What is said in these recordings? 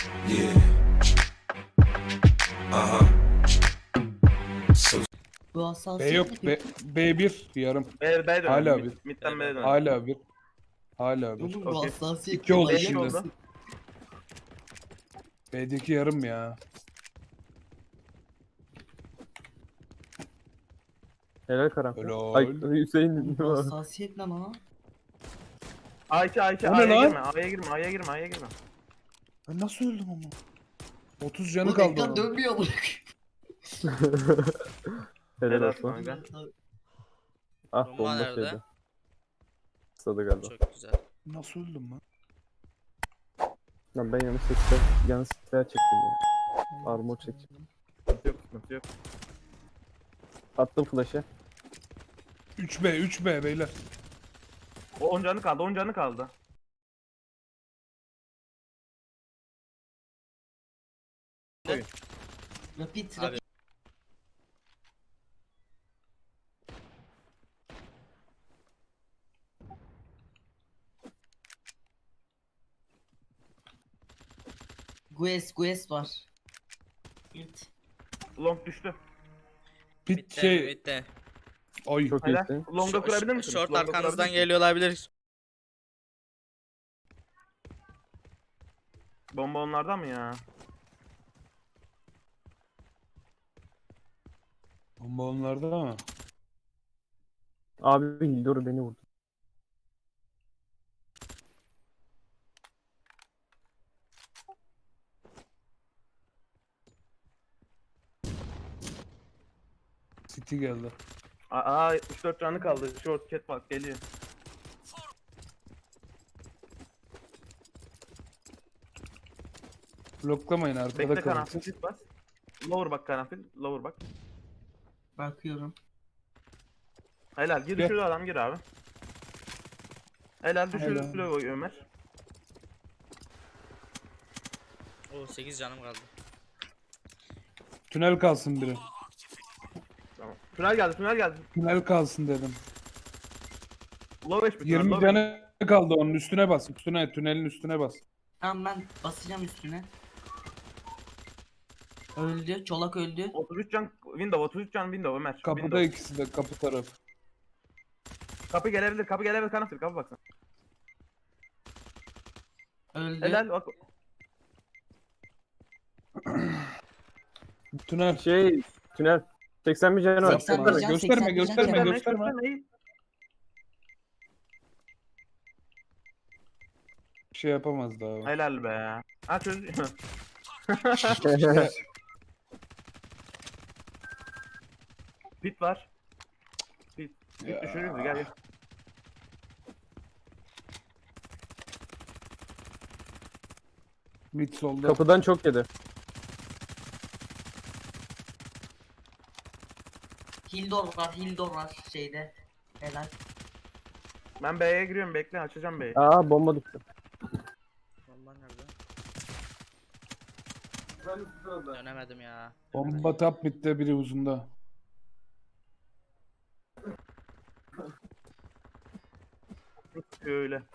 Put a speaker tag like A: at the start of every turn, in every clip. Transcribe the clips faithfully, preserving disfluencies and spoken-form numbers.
A: Yeah. Uh-huh. So
B: Bu
C: B
B: hassasiyet
C: yok.
B: ne
C: B,
B: peki?
C: B bir yarım.
D: B, B dönelim.
C: Hala
D: Mid,
C: bir.
D: midden B
E: Evet.
D: dönelim.
C: Hala bir. Hala bir.
B: Oğlum bu
D: Okey.
B: hassasiyet
C: İki
B: ne?
C: oldu
B: Manyak
C: şimdi.
B: mısın?
C: B'deki yarım ya.
E: Helal karanfil.
C: Helal.
E: Ay Hüseyin.
B: Oğlum bu hassasiyet ne lan?
D: A iki A iki
C: O ne
D: A'ya
C: lan?
D: girme A'ya girme A'ya girme A'ya girme.
C: Ben nasıl öldüm ama? otuz canı
B: Oğlum
C: kaldı
B: ekran
C: onun.
B: dönmüyor bırak.
E: Helal
D: Helal
E: olsun.
D: kanka.
E: Ah
F: Bomba
E: bomba
F: nerede?
E: şeyde. Kısadı galiba.
F: Çok güzel.
C: Nasıl öldüm lan?
E: Lan ben yanlış seçtim. Yanlış seçtim çektim ya. Armor çekeceğim.
D: Sıkıntı yok sıkıntı yok.
E: Attım flash'ı.
C: üç B üç B beyler.
D: O on canı kaldı on canı kaldı.
B: Rapid
F: Abi.
B: rapid. Gues Gues var. Evet.
D: Long düştü.
C: Pit
F: Bitti,
C: şey.
F: bitti.
C: Ay.
E: Çok
D: Helal.
E: iyisin.
D: Long'a kurabilir misiniz?
F: Short
D: Long'a
F: arkanızdan
D: kurabilir misiniz?
F: geliyor olabilir.
D: Bomba onlardan mı ya?
C: Bomba onlarda ama.
E: Abi Hildor beni vurdu.
C: City geldi.
D: Aa yetmiş dört canı kaldı. Short cat bak geliyor.
C: Bloklamayın arkada
D: Bekle
C: kalın.
D: karanfil sit bas. Lower bak karanfil. Lower bak.
B: Bakıyorum.
D: Helal gir
C: Gel.
D: düşürdü adam gir abi. Helal düşürdü
C: Helal.
D: Ömer.
F: Oo sekiz canım kaldı.
C: Tünel kalsın biri.
D: Tamam. Tünel geldi tünel geldi.
C: Tünel kalsın dedim.
D: Low H P.
C: yirmi
D: low
C: canı kaldı onun üstüne bas. Üstüne tünelin üstüne bas.
B: Tamam ben basacağım üstüne. Öldü. Çolak öldü.
D: otuz üç can window otuz üç can window Ömer.
C: Kapıda
D: Window.
C: ikisi de kapı tarafı.
D: Kapı gelebilir kapı gelebilir karanfil kapı baksana.
B: Öldü.
D: Helal bak.
C: Tünel.
E: Şey tünel. seksen bir canı var.
B: seksen bir can,
C: Gösterme
B: seksen bir
C: gösterme
B: can.
C: gösterme.
D: Gösterme.
C: Bir şey yapamaz daha.
D: Helal be. Ha çöz. Pit var. Pit. Pit
C: Ya.
D: düşürürüz gel gel.
C: Mid solda.
E: Kapıdan çok yedi.
B: Hildor var. Hildor var şeyde. Helal.
D: Ben B'ye giriyorum bekle açacağım B'yi.
E: Aa bomba düştü.
F: Bomba nerede? Dönemedim ya.
C: Bomba top midde biri uzunda.
D: Öyle.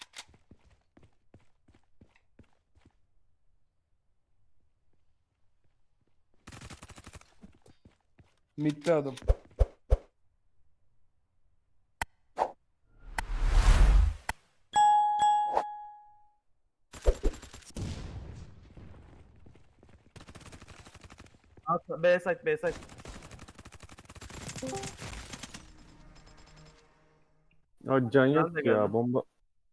C: Midde adam.
D: At, B site B site.
E: Ya can yok
D: Nerede
E: ya
D: geldi?
E: bomba.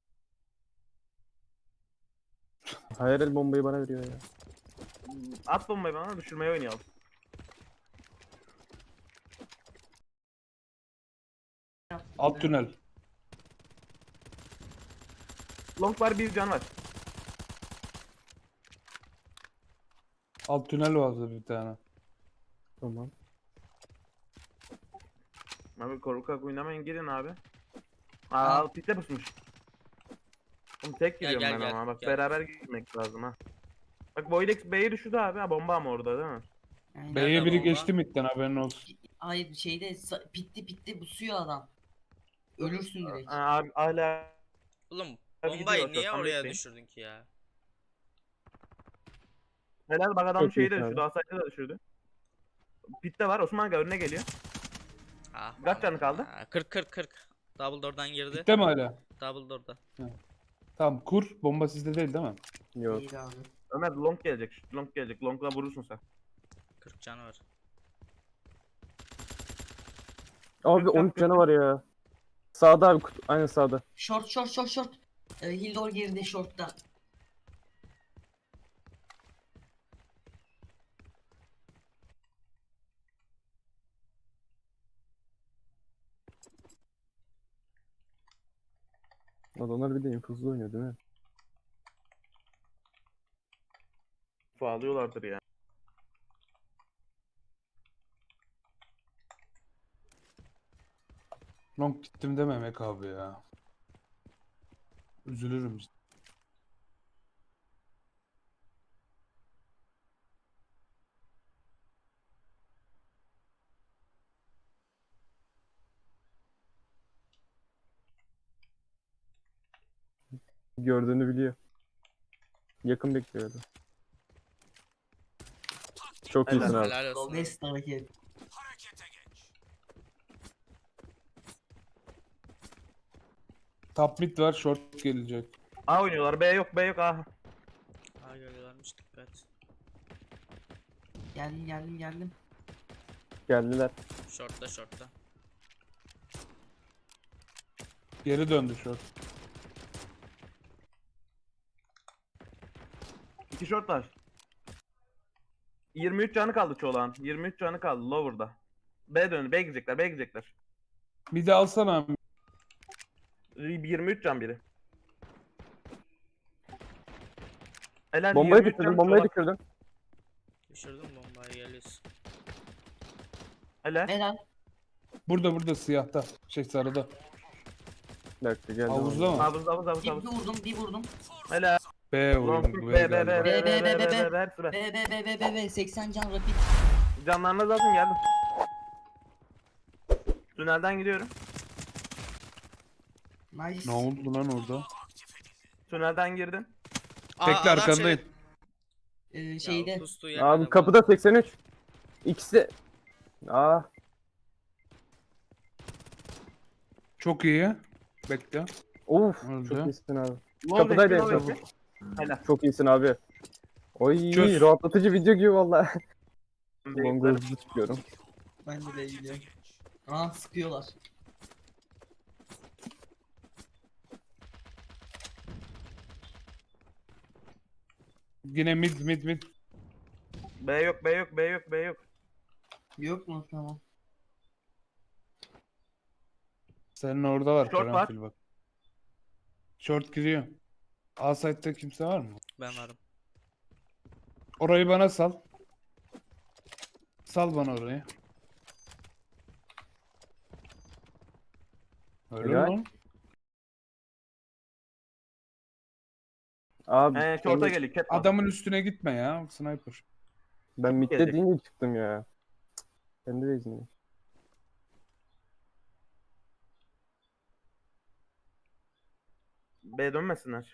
E: Hayır el bombayı bana veriyor ya.
D: At bombayı bana düşürmeye oynayalım.
C: Alt tünel.
D: Long var bir can var.
C: Alt tünel vardı bir tane.
E: Tamam.
D: Abi korkak oynamayın girin abi.
B: Ha.
D: Aa pitte pusmuş. Oğlum tek
F: Gel,
D: giriyorum
F: gel,
D: ben
F: gel,
D: ama bak
F: gel.
D: beraber gitmek lazım ha. Bak Voidex B'yi düşürdü abi ha bomba ama orada değil mi?
B: Aynen.
C: B'ye
F: Nerede
C: biri
F: bomba?
C: geçti midden haberin olsun.
B: Hayır şeyde sa- pitti pitti busuyor adam. Ölürsün direkt.
D: Ha, abi hala
F: Oğlum
D: Abi
F: bombayı
D: gidiyor,
F: niye
D: tam
F: oraya
D: bekleyin.
F: düşürdün ki ya?
D: Helal bak adam
E: Çok
D: şeyi de
E: iyisin
D: düşürdü.
E: abi.
D: Asayt'ı da düşürdü. Pitte var. Osman Aga önüne geliyor.
F: Ah,
D: Kaç canı kaldı?
F: Aa, kırk kırk kırk. Double door'dan girdi.
C: Bitti mi hala?
F: Double door'da.
C: Tamam kur. Bomba sizde değil değil mi?
E: Yok.
B: İyi abi.
D: Ömer long gelecek. Long gelecek. Long'la vurursun sen.
F: kırk canı var.
E: Abi on üç canı var ya. Sağda abi kutu. Aynen sağda.
B: Short short short short. Ee, Hildor geride shortta.
E: Adamlar bir de infuzlu oynuyor değil mi?
D: Bağlıyorlardır ya.
C: Long gittim dememek abi ya. Üzülürüm işte.
E: Gördüğünü biliyor. Yakın bekliyordu. Çok
D: Helal.
E: iyisin abi.
F: Helal olsun. abi.
B: Best hareket.
C: Top mid var. Short gelecek.
D: A oynuyorlar. B yok. B yok. A.
F: Aa geliyorlarmış dikkat.
B: Geldim geldim geldim.
E: Geldiler.
F: Short'ta short'ta.
C: Geri döndü short.
D: İki short var. yirmi üç canı kaldı çoğulan. yirmi üç canı kaldı lower'da. B döndü. B gidecekler. B gidecekler.
C: Bir de alsana.
D: yirmi üç can biri. Helal
E: Bombayı
D: yirmi üç can
E: düşürdüm. Bombayı
D: çoğulan.
E: düşürdüm.
F: Düşürdüm bombayı geliyorsun.
D: Helal.
B: Helal.
C: Burada burada siyahta. Şey sarıda.
E: Bir dakika geldi.
C: Havuzda mı?
D: Havuz havuz havuz
B: Bir,
D: havuz.
B: bir vurdum bir vurdum.
D: Helal.
C: B
D: Long
C: vurdum.
D: B
C: B
D: B B B
C: galiba.
D: B B B B
B: B,
D: B hepsi B.
B: B B B B B seksen can rapid.
D: Canlarına zaten geldim. Tünelden gidiyorum.
B: Nice.
C: Ne oldu lan orada?
D: Tünelden girdim.
F: Aa,
C: Bekle
F: adam
C: arkandayım.
B: Ee,
F: Şey...
B: şeyde.
F: Ya, pustu
E: Abi
F: yakaladı.
E: kapıda seksen üç. İkisi. Aa.
C: Çok iyi. Bekle.
E: Of.
C: Öldü.
E: Çok iyisin abi.
D: Low
E: Kapıdaydı
D: bekle,
E: en
D: low
E: son.
D: bekle. Helal.
E: Çok iyisin abi. Oy
C: Çöz.
E: rahatlatıcı video gibi valla. Longa
D: Beklerim.
E: hızlı çıkıyorum.
B: Ben de B'ye gidiyorum. Aa sıkıyorlar.
C: Yine mid mid mid.
D: B yok B yok B yok B yok.
B: Yok mu? Tamam.
C: Senin orada var.
D: Short var.
C: Karanfil bak. Short giriyor. A site'da kimse var mı?
F: Ben varım.
C: Orayı bana sal. Sal bana orayı. Öyle
E: Helal.
C: lan.
E: Abi
D: He short'a
E: ben,
D: geliyor. Cat
C: Adamın üstüne gitme ya. Sniper.
E: ben midde
D: gelecek.
E: deyince çıktım ya. Kendi de izniyle.
D: B dönmesinler.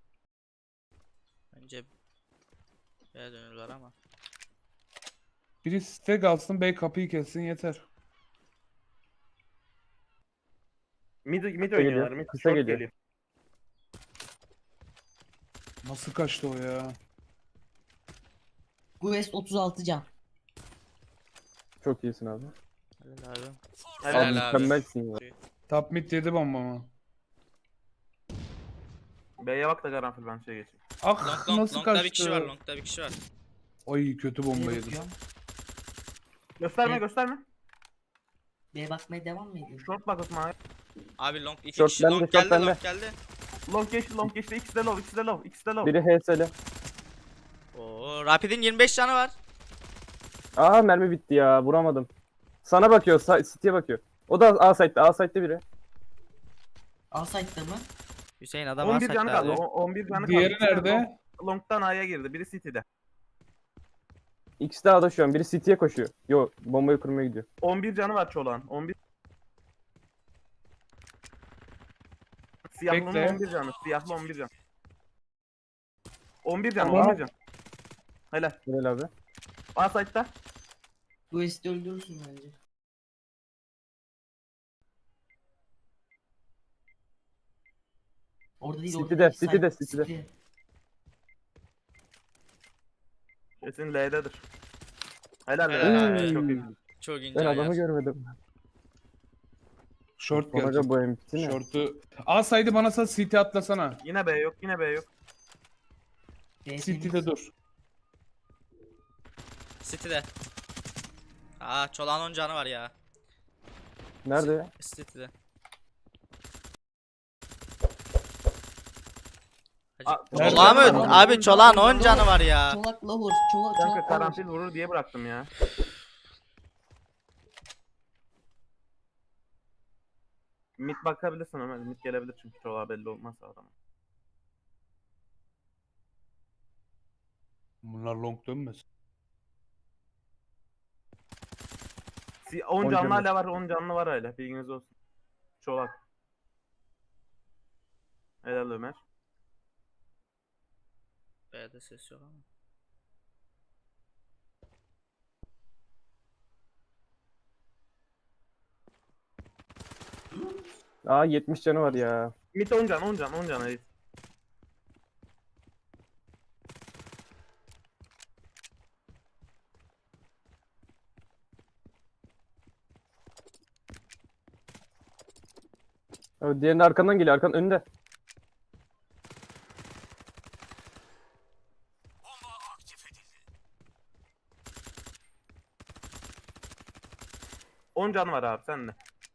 F: Bence B'ye dönüyorlar ama.
C: Biri stack alsın, bey kapıyı kessin yeter.
D: Mid mid
E: Kısa
D: oynuyorlar.
E: geliyor,
D: Mid
E: kısa
D: short
E: geliyor.
D: geliyor.
C: Nasıl kaçtı o ya?
B: Quest otuz altı can.
E: Çok iyisin abi.
F: Helal abi.
D: Helal.
E: Abi
F: Helal abi.
E: mükemmelsin ya.
C: Top mid yedi bombamı.
D: B'ye bak da karanfil ben şey geçeyim.
C: Ah
F: Long long
C: nasıl
F: long'da
C: kaçtı?
F: bir kişi var long'da bir kişi var.
C: Ay kötü bomba
B: B'ye
C: yedim.
B: bakıyorum.
D: Gösterme
B: Evet.
D: gösterme.
B: B'ye bakmaya devam mı ediyorsun?
D: Short bak Osman abi.
F: Abi long iki
E: Short
F: kişi
E: bende,
F: long
E: short
F: geldi
E: bende.
F: long geldi.
D: Long geçti long geçti. İkisi de low ikisi de low ikisi de low.
E: Biri H S'li.
F: Oo Rapid'in yirmi beş canı var.
E: Aha mermi bitti ya vuramadım. Sana bakıyor, sa- City'ye bakıyor. O da A site'de, A site'de biri.
B: A site'da mı?
F: Hüseyin adam
D: on bir canı kaldı.
F: abi.
D: o- on bir canı kaldı.
C: Diğeri
D: İkisi de
C: nerede?
D: long- Long'dan A'ya girdi. Biri City'de.
E: İkisi de A'da şu an. Biri City'ye koşuyor. Yo bombayı kurmaya gidiyor.
D: on bir canı var çoğulan. on bir. Siyahlının
C: Bekle.
D: on bir canı. Siyahlı on bir can. on bir can,
C: Tamam.
D: on bir can. Helal.
E: Helal abi.
D: A site'da.
B: Bu esti öldürürsün bence. Orada değil, orada
E: City'de,
B: değil.
E: City'de,
B: Side-
E: City'de.
B: City.
D: Kesin L'dedir. Helal.
F: Helal
D: Helal.
F: abi.
D: Çok iyi.
F: Çok ince
E: Ben adamı
F: ayar.
E: görmedim.
C: Short
E: Bana
C: gelecek.
E: göre bu M V P ne?
C: Short'u. A saydı bana sal C T atlasana.
D: Yine B yok. Yine B yok.
B: B
C: City'de
B: temiz.
C: dur.
F: City'de. Aa Çolak'ın on canı var ya.
E: Nerede ya?
F: City'de.
D: Aa,
C: Nerede?
F: Çolak'ın
C: Nerede?
F: mı? Abi Çolak'ın on canı var ya.
B: Çolak lower. Çolak
D: Kanka
B: çolak
D: karanfil
B: lower.
D: vurur diye bıraktım ya. Mid bakabilirsin Ömer. Mid gelebilir çünkü çoğu belli olmaz adamın.
C: Bunlar long dönmesin.
D: Si- on
E: On
D: canlı
E: canlı.
D: hala var. on canlı var hala. Bilginiz olsun. Çolak. Helal Ömer.
F: B'de ses yok ama.
E: Aa yetmiş canı var ya.
D: Mid on can on can on can Reis.
E: Evet, diğerinin arkandan geliyor. Arkan önünde.
D: on can var abi sende.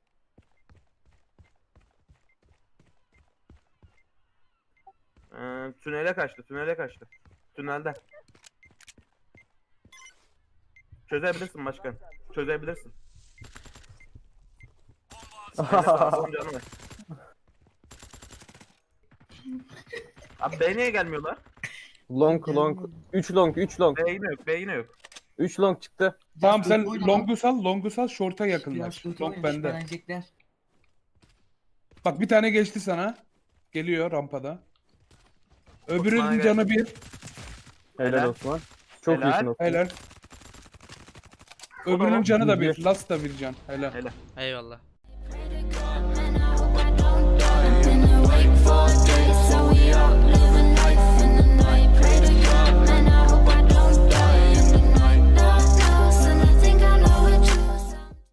D: Ee, tünele kaçtı tünele kaçtı. Tünelde. Çözebilirsin başkan. Çözebilirsin. Helal abi, on canı var. Abi B niye gelmiyorlar?
E: Long long. üç long, üç long.
D: B yine yok, B yine yok.
E: üç long çıktı.
C: Tamam
B: Biraz
C: sen
B: kötü oyna lan.
C: long'u sal, long'u sal, short'a
B: Biraz
C: yakınlaş.
B: kötü
C: Long
B: oynamış,
C: bende.
B: beğenecekler.
C: Bak bir tane geçti sana. Geliyor rampada. Öbürünün
D: Osman'a
C: canı bir.
E: Helal,
D: Helal.
E: Osman. Çok
D: Helal.
E: iyisin Osman.
C: Helal.
D: O da
C: Öbürünün
D: o.
C: canı da
E: Bir.
C: bir. Last da bir can. Helal.
D: Helal.
F: Eyvallah.